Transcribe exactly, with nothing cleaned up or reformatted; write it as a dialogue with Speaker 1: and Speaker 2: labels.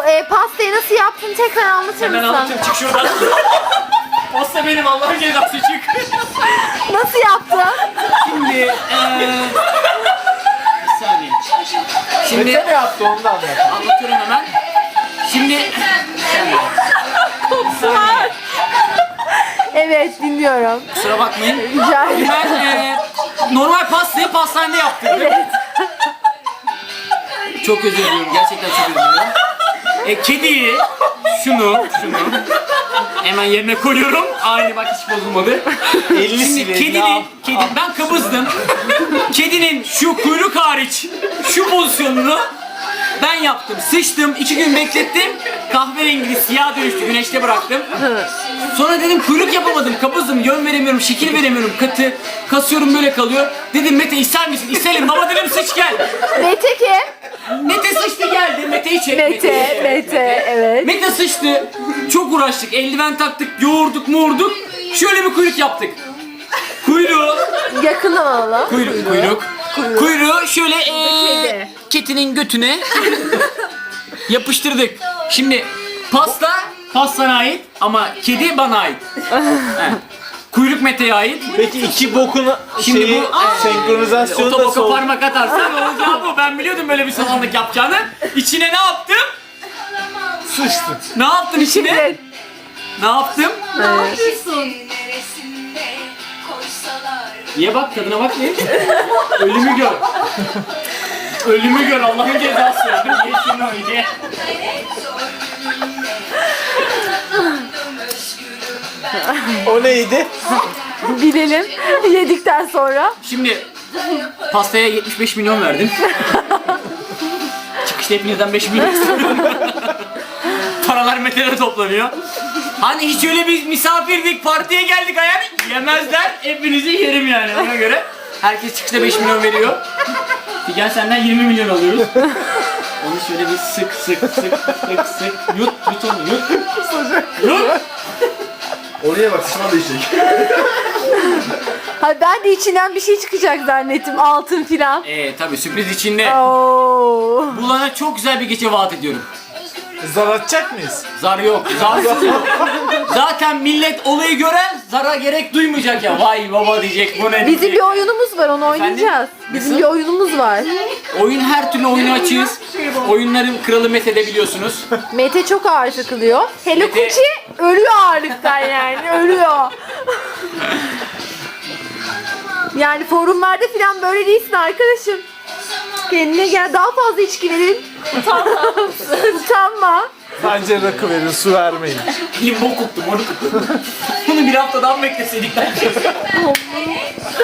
Speaker 1: e, pastayı nasıl yaptın tekrar anlatır
Speaker 2: Hemen
Speaker 1: mısın?
Speaker 2: anlatıyorum, çık şuradan. Pasta benim, Allah'ın cezası, çık.
Speaker 1: Nasıl yaptın?
Speaker 2: Şimdi eee... Bir saniye. Şimdi
Speaker 3: Mete ne yaptı onu da anlat.
Speaker 2: anlatıyorum hemen. Şimdi...
Speaker 1: Kopsular. Evet dinliyorum.
Speaker 2: Kusura bakmayın.
Speaker 1: Rica ederim.
Speaker 2: Ben eee normal pastayı pastanede yaptım.
Speaker 1: Evet.
Speaker 2: Çok özür diliyorum. Gerçekten çok özür diliyorum. E, kediyi, şunu, şunu hemen yerine koyuyorum. Aynı bak, hiç bozulmadı.
Speaker 3: elli
Speaker 2: Şimdi
Speaker 3: silin,
Speaker 2: kedinin, kedi, ben kabızdım. Kedinin şu kuyruk hariç şu pozisyonunu ben yaptım. Sıçtım, iki gün beklettim. Kahverengi siyah dönüştü, güneşte bıraktım. Sonra dedim kuyruk yapamadım, kabızdım, yön veremiyorum, şekil veremiyorum, katı. Kasıyorum, böyle kalıyor. Dedim Mete ister misin? İsterim baba, dedim sıç gel.
Speaker 1: Mete kim?
Speaker 2: Mete sıçtı geldi, Mete'yi çek.
Speaker 1: Mete, Mete, evet.
Speaker 2: Mete sıçtı. Çok uğraştık, eldiven taktık, yoğurduk, moğurduk. Şöyle bir kuyruk yaptık. Kuyruğu,
Speaker 1: Yakından alalım.
Speaker 2: kuyruk, kuyruk. Kuyruğu şöyle ee,
Speaker 1: Kedi.
Speaker 2: ketinin götüne yapıştırdık. Şimdi pasta pastana ait ama kedi bana ait. He. Kuyruk Mete'ye ait.
Speaker 3: Peki iki bokun
Speaker 2: Şimdi
Speaker 3: şeyi,
Speaker 2: bu aa,
Speaker 3: senkronizasyonu da
Speaker 2: otoboka
Speaker 3: sol.
Speaker 2: parmak atarsan olacağı bu. Ben biliyordum böyle bir samanlık yapacağını. İçine ne yaptım?
Speaker 3: Sıçtı.
Speaker 2: Ne yaptım içine?
Speaker 1: Evet.
Speaker 2: Ne yaptım? Ye bak, tadına bak, ye. Ölümü gör. Ölümü gör, Allah'ın cezası. Ye şunu, ye.
Speaker 3: O neydi?
Speaker 1: Bilelim. Yedikten sonra.
Speaker 2: Şimdi pastaya yetmiş beş milyon verdim. Çıkışta hepinizden beş milyon istiyorum. Paralar Mete'de toplanıyor. Hani hiç öyle bir misafirdik, partiye geldik ayağını yemezler. Hepinizi yerim yani, ona göre. Herkes çıkışta beş milyon veriyor. Figen senden yirmi milyon alıyoruz. Onu şöyle bir sık sık sık sık sık yut yut onu yut. Yut.
Speaker 4: Oraya bak, sıçman değişecek.
Speaker 1: Ha, ben de içinden bir şey çıkacak zannettim. Altın filan.
Speaker 2: Ee tabi sürpriz içinde.
Speaker 1: Oo.
Speaker 2: Bulana çok güzel bir gece vaat ediyorum.
Speaker 3: Zar atacak mıyız?
Speaker 2: Zar yok, zarsız yok. Zaten millet olayı gören zara gerek duymayacak ya. Vay baba diyecek, bu ne diyecek.
Speaker 1: Bizim bir oyunumuz var, onu oynayacağız. Bizim
Speaker 2: Nasıl?
Speaker 1: bir oyunumuz var.
Speaker 2: Oyun, her türlü oyunu açığız. Oyunların kralı Mete'de biliyorsunuz.
Speaker 1: Mete çok ağır takılıyor. Hello
Speaker 2: Mete-
Speaker 1: Kuchi ölüyor ağırlıktan yani, ölüyor. Yani forumlarda falan böyle değilsin arkadaşım. Kendine gel, daha fazla içki verin. Utanma. Utanma.
Speaker 3: Bence rakı verin, su vermeyin.
Speaker 2: Limbo koktum onu. Bunu bir haftadan bekleseydik bence.